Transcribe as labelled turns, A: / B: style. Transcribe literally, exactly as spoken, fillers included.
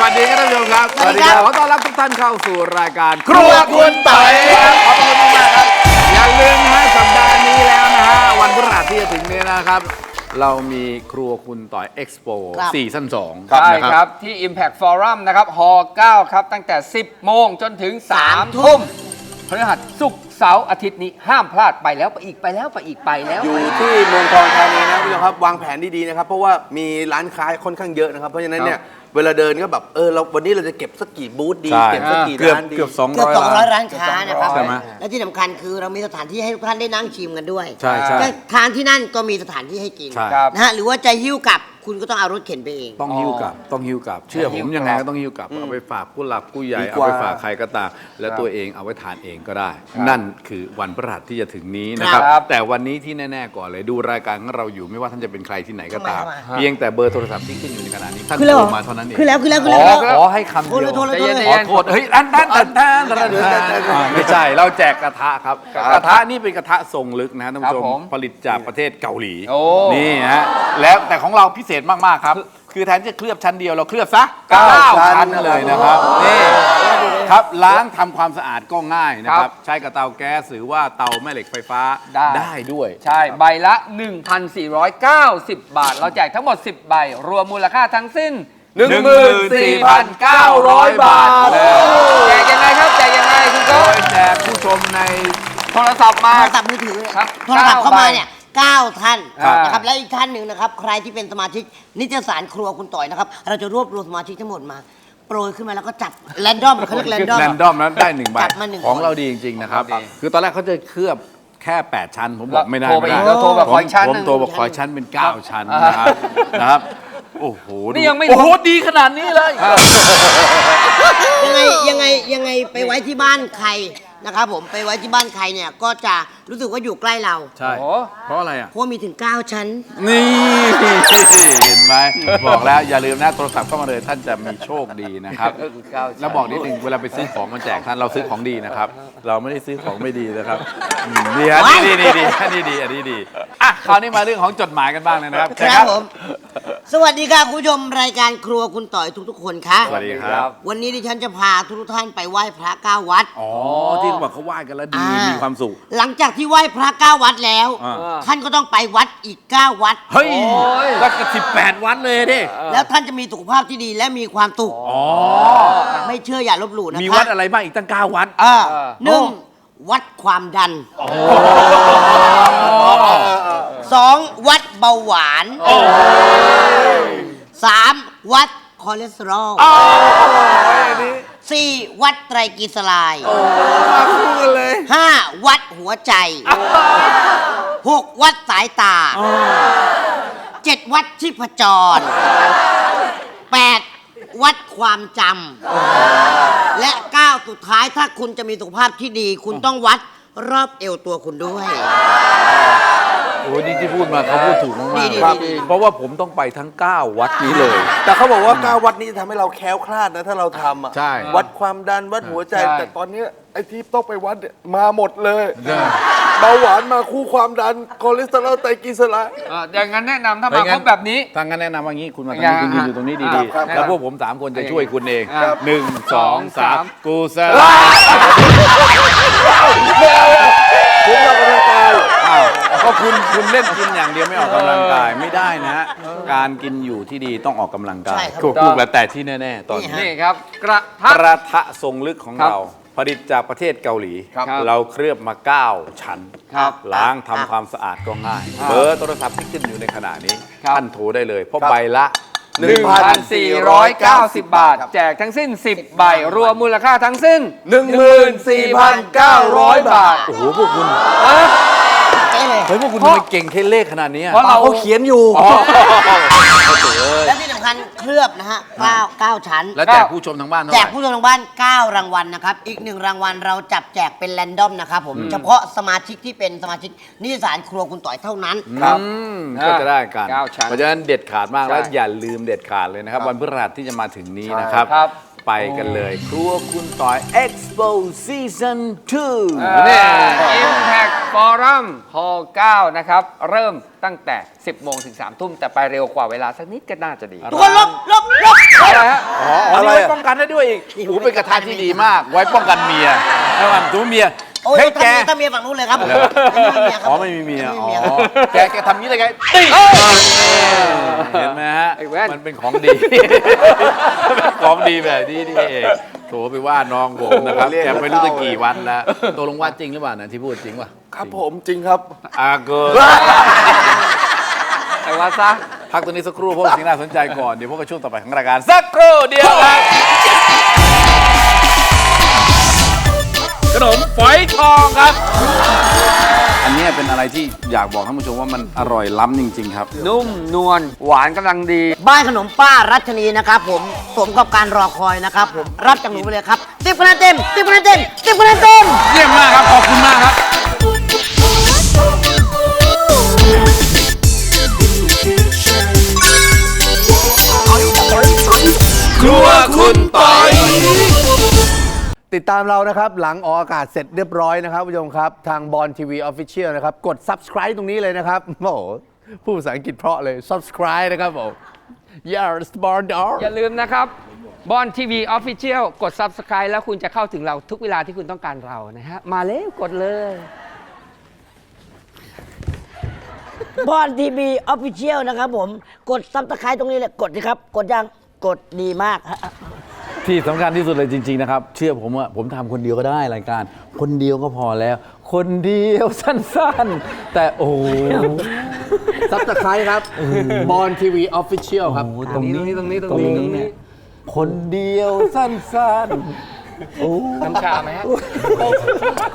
A: วัสดีครับท่านผู้ชมครับ
B: สวัสดีครับ
A: ขอต้อนรับทุกท่านเข้าสู่รายการครัวคุณต่อยครับขอบคุณมากครับอย่าลืมนะฮะสัปดาห์นี้แล้วนะฮะวันพฤหัสที่จะถึงนี้นะครับเรามีครัวคุณต่อยเอ็กซ์โปซีซั่นสอง
C: ใช่ครับที่ Impact Forum นะครับฮเก้าครับตั้งแต่ สิบโมงจนถึง สามทุ่มพฤหัสศุกร์เสาร์อาทิตย์นี้ห้ามพลาดไปแล้วไปอีกไปแล้วไปอีกไปแล้ว
B: อยู่ที่เมืองทองธานีนะคุณผู้ชมครับวางแผนดีๆนะครับเพราะว่ามีร้านค้าค่อนข้างเยอะนะครับเพราะฉะนั้นเนี่ยเวลาเดินก็แบบเออเราวันนี้เราจะเก็บสักกี่บูธดี
A: ใช่
B: เก็บสักกี่
A: เกือบ
B: ร้านดี
A: เกือบสอง
D: เกือบ
A: ร้อย
D: สองร้อย
A: ล้าน
D: ร้านค้านะครับ
A: ใช่ไหม
D: และที่สำคัญคือเรามีสถานที่ให้ทุกท่านได้นั่งชิมกันด้วย
A: ใช่ใช่
D: จะทานที่นั่นก็มีสถานที่ให้กิน
A: ใช่
C: ครับ
D: นะฮะหรือว่าจะหิ้วกลับคุณก็ต้องเอารถเข็นไปเอง
A: ต้องหิ้วกลับต้องหิ้วกลับ เชื่อผมยังไงก็ต้องหิ้วกลับเอาไปฝากผู้หลักผู้ใหญ่
B: ดี
A: เอา
B: กว่า
A: ไปฝากใครก็ตามและตัวเองเอาไว้ทานเองก็ได้ นั่นคือวันพฤหัสที่จะถึงนี้นะครับ
C: ครับ
A: แต่วันนี้ที่แน่ๆก่อนเลยดูรายการของเราอยู่ไม่ว่าท่านจะเป็นใครที่ไหนก็ตาม
D: ทำไมทำไม
A: เพียงแต่เบอร์โทรศัพท์ที่ขึ้นอยู่ในขณะนี้ท่าน
D: คือแล้ว
A: โท
D: เหรอ
A: รมาเท่านั้นเอง
D: คือแล้วคือแล้วคือ
A: ข
D: แล้ว
A: อขอให้คำเดียว
D: โทรเลยโทรเลยโทรเลย
A: ขอโทษเฮ้ยอันนั้นอันนั้นอันนั้นอ่าไม่ใช่เราแจกกระทะครับกระทะนี่เป็นกระทะทรงลึกนะฮะท่านผู้ช
C: ครับผม
A: มผลิตจากประเทศเกาหลี
C: โอ้
A: นี่ฮะแล้วแต่ของเราพิเศษมากๆครับคือแทนที่จะเคลือบชั้นเดียวเราเคลือบซะ
C: เก้า
A: เก้า
C: ชั้
A: ชั้น
C: น
A: เลยนะครับนี่ครับล้างทำความสะอาดก็ง่ายนะครับใช้กับเตาแก๊สหรือว่าเตาแม่เหล็กไฟฟ้า
C: ได้
A: ได้ด้วย
C: ใช่ใบละ หนึ่งพันสี่ร้อยเก้าสิบ บาท เราแจกทั้งหมด สิบ ใบ รวมมูลค่าทั้งสิ้น หนึ่งหมื่นสี่พันเก้าร้อย บาท แจกยังไงครับแจกยังไงคุณ
A: โด
C: โก้
A: ยแจกผู้ชมใน
C: โทรศัพท์มา
D: โทรศัพท์มือถือ
C: ครับ
D: โทรศัพท์เข้ามาเนี่ยเก้าท่าน
C: ครับ
D: นะครับและอีกท่านหนึ่งนะครับใครที่เป็นสมาชิกนิตยสารครัวคุณต่อยนะครับเราจะรวบรวมสมาชิกทั้งหมดมาโปรยขึ้นมาแล้วก็จับแรนดอมเขาเรียกแรนดอม
A: แรนดอมนั้นได้หนึ่งใบ
D: จับมาหนึ่ง
A: ของ
D: คน
A: เราดีจริงๆนะครับ
C: ดี
A: คือตอนแรกเขาจะเคลือบแค่ แปด ชั้น ผมบอกไม่ได้
C: โทรไป
A: ไม่ได้
C: อีกแล้วโทรแบบขออีกชั้น
A: ผม
C: หนึ่ง
A: โทรบอกขอชั้นเป็น เก้า ชั้นนะครับนะครับโอ้โห
C: นี่ยังไม่
A: โอ้โหดีขนาดนี้เลย
D: ยังไงยังไงยังไงไปไว้ที่บ้านใครนะครับผมไปไว้ที่บ้านใครเนี่ยก็จะรู้สึกว่าอยู่ใกล้เรา
A: ใช่
C: โอ้
A: เพราะอะไรอ่ะ
D: เพราะว่ามีถึงเก้าชั้น
A: นี่เห็นไหมบอกแล้วอย่าลืมนะโทรศัพท์เข้ามาเลยท่านจะมีโชคดีนะครับ
C: เก้าชั้น
A: แล้วบอกนิดนึงเวลาไปซื้อของมาแจกท่านเราซื้อของดีนะครับ เราไม่ได้ซื้อของไม่ดีนะครับอืมดีฮะนี่ดีดีอันนี้ดีอันนี้ดีอ่ะคราวนี้มาเรื่องของจดหมายกันบ้างเลยนะครับ
D: ครับผม สวัสดีค่ะคุณผู้ชมรายการครัวคุณต่อยทุกๆ คนค่ะ
A: สวัสดีครับ
D: วันนี้ดิฉันจะพาทุกท่านไปไหว้พระเก้าวัด
A: อ๋อที่เขาบอกเขาไหว้กันแล้วดี
D: อ่ามี
A: มีความสุข
D: หลังจากที่ไหว้พระเก้าวัดแล้ว
A: อ่า
D: ท่านก็ต้องไปวัดอีกเก้าวัด
A: เฮ้ย
C: โอ้ย
A: แล้วก็สิบแปดวันเลยดิ
D: แล้วท่านจะมีสุขภาพที่ดีและมีความสุข
A: อ๋อ
D: ไม่เชื่ออย่าลบหลู่นะคะ
A: มีวัดอะไรบ้างอีกตั้งเก้าวัด
D: อ่าหนึ่งวัดความดันสองวัดเบาหวานสามวัดคอเลสเตอรอลสี่วัดไตรกลีเซอไรด์
A: มาคู่กันเลย
D: ห้าวัดหัวใจหกวัดสายตาเจ็ดวัดชีพจรแปดวัดความจำและเก้าสุดท้ายถ้าคุณจะมีสุขภาพที่ดี คุณต้องวัดรอบเอวตัวคุณด้วย
A: โอ้ยนี่ที่พูดมาเขาพูดถูกมาก
D: ดี
A: ๆ
D: ดี
A: ครับ
D: ดี
A: เพราะว่าผมต้องไปทั้งเก้าวัดนี้เลย
B: แต่เขาบอกว่าเก้าวัดนี้จะทำให้เราแคล้วคลาดนะถ้าเราทำอ่ะ
A: ใช่
B: วัดความดันวัดหัวใจ
C: ใช่
B: แต่ตอนเนี้ยไอ้ที่ต้องไปวัดเนี่ยมาหมดเลยเบาหวานมาคู่ความดันคอเลสเตอรอลไตรกลีเซอไรด์
C: อ่าอย่างนั้นแนะนำถ้ามาครบแบบนี้
A: ทางนั้นแนะนำว่างี้คุณมาตรง
C: อย่า
A: นี้คุณยืนอยู่ตรงนี้
C: ครั
A: ดี
C: บครับ
A: ๆ แล้วพวกผมสามคนจะช่วยคุณเอง
C: ครับ
A: หนึ่งสองสาม
C: สาม
A: กูเซล
B: ผมออกกำลังกาย
A: อ้าวก็คุณคุณเล่นกินอย่างเดียวไม่ออกกำลังกายไม่ได้นะฮะการกินอยู่ที่ดีต้องออกกำลังกา
D: ใช่
A: ย
D: ครับ
A: ถูกๆแล้วแต่ที่แน่ๆตอนนี้
C: นี่ครับ กระทะ
A: กระทะทรงลึกของ
C: ครับ
A: เรา ผลิตจากประเทศเกาหลี
C: ครับ
A: เราเคลือบมา เก้า ชั้น
C: ครับ
A: ล้างทำความสะอาดก็ง่าย เบอร์โทรศัพท์ที่ขึ้นอยู่ในขณะนี้
C: ครับ
A: ท่านโทรได้เลย เพราะใบละ
C: หนึ่งพันสี่ร้อยเก้าสิบ บาท แจกทั้งสิ้น สิบ ใบ รวมมูลค่าทั้งสิ้น
B: หนึ่งหมื่นสี่พันเก้าร้อยบาท
A: โอ้โห พวกคุณ
D: เอ๊ะเลย
A: เฮ้ย พวกคุณทำไมเก่งเทเลขขนาดนี้อะ
C: เพราะเรา
B: เขาเขียนอยู่
D: และที่สำคัญเคลือบนะฮะเก้าเก้าชั้น
A: แล้วแจกผู้ชมทางบ้านเท่า
D: แจ
A: ไห
D: ก
A: ร่
D: ผู้ชมทางบ้าน เก้า รางวัลนะครับ อีกหนึ่งรางวัลเราจับแจกเป็นแรนดอมนะครับผม เฉพาะสมาชิกที่เป็นสมาชิกนิตยสารครัวคุณต่อยเท่านั้น
C: ครับ
A: อืมก็จะได้กัน
C: เก้าชั้น
A: เพราะฉะนั้นเด็ดขาดมากแล้ว
C: ใช่
A: อย่าลืมเด็ดขาดเลยนะครับ วันพฤหัสที่จะมาถึงนี้นะครับ
C: ครับ
A: ไปกันเลย ครัวคุณต่อย Expo Season ทู
C: เนี่
A: เนี่ย ย
C: Impact Forum ฮอเก้านะครับ เริ่มตั้งแต่ สิบ โมงถึง สาม ทุ่ม แต่ไปเร็วกว่าเวลาสักนิดก็น่าจะดี
D: ทุกคนลบลบลบ
C: อะไรฮะ
A: อ๋ออันนี้ไว้ป้องกันได้ด้วยอีกโอ้โหเป็นกระทะที่ดีมาก ไว้ป้องกันเมียถ้ามันตัวเมีย
D: โอ้ย
A: เฮ้ยแก
D: ถ้ามีถ้าเมียฝั่งนู้นเลยครับผมไม่มีเมียครับ
A: อ๋อไม่มีเมีย
D: ไม่
A: อ๋
D: มี
A: อ
D: เมียครับ
A: แกแกทำนี้ได้ไงติ๊งเห็นไหมฮะ
C: ไอ้แว่น
A: มันเป็นของดี เป็นของดีแบบนี้นี่เองโถไปว่าน้องผมนะครับ
B: เรียก
A: แกไม่รู้จะกี่วันแล้วตกลงว่าจริงหรือเปล่านะที่พูดจริงป่ะ
B: ครับผมจริงครับ
A: อาเกิน
C: ไอ้ว่าซะ
A: พักตัวนี้สักครู่เพราะว่าสิ่งน่าสนใจก่อน เดี๋ยวพบกับช่วงต่อไปของรายการสักครู่เดียวครับขนมฝอยทองครับ อันนี้เป็นอะไรที่อยากบอกท่านผู้ชมว่ามันอร่อยล้ำจริง ๆ ครับ
C: นุ่มนวลหวานกำลังดี
D: บ้านขนมป้ารัชนีนะครับผมสมกับการรอคอยนะครับผมรับจากหนูไปเลยครับติ๊บคะแนนเต็มติ๊บคะแนนเต็มติ๊บคะแนนเต็ม
A: เยี่ยมมากครับ ขอบคุณมากครับ ครัวคุณปอย
B: ติดตามเรานะครับ หลังออกอากาศเสร็จเรียบร้อยนะครับผู้ชมครับ ทางบอลทีวีออฟฟิเชียลนะครับ กด subscribe ตรงนี้เลยนะครับ โอ้โหพูดภาษาอังกฤษเพราะเลย subscribe นะครับผม yes born dog
C: อย่าลืมนะครับบอลทีวีออฟฟิเชียลกด Subscribe แล้วคุณจะเข้าถึงเราทุกเวลาที่คุณต้องการเรานะฮะ มาเร็วกดเลย
D: บอลทีวีออฟฟิเชียลนะครับผมกดซับสไครต์ตรงนี้เลยกดสิครับกดยังกดดีมากฮะ
A: ที่สำคัญที่สุดเลยจริง ๆ นะครับ เชื่อผมว่าผมทำคนเดียวก็ได้รายการ คนเดียวก็พอแล้ว คนเดียวสั้นๆ แต่โอ้โห
B: subscribe ครับบอลทีวีออฟฟิเชียลครับ
C: ตรงนี้ตรงนี้ตรงนี้ตรงนี้
A: คนเดียวสั้นๆ
C: น้ำชาไหมฮะ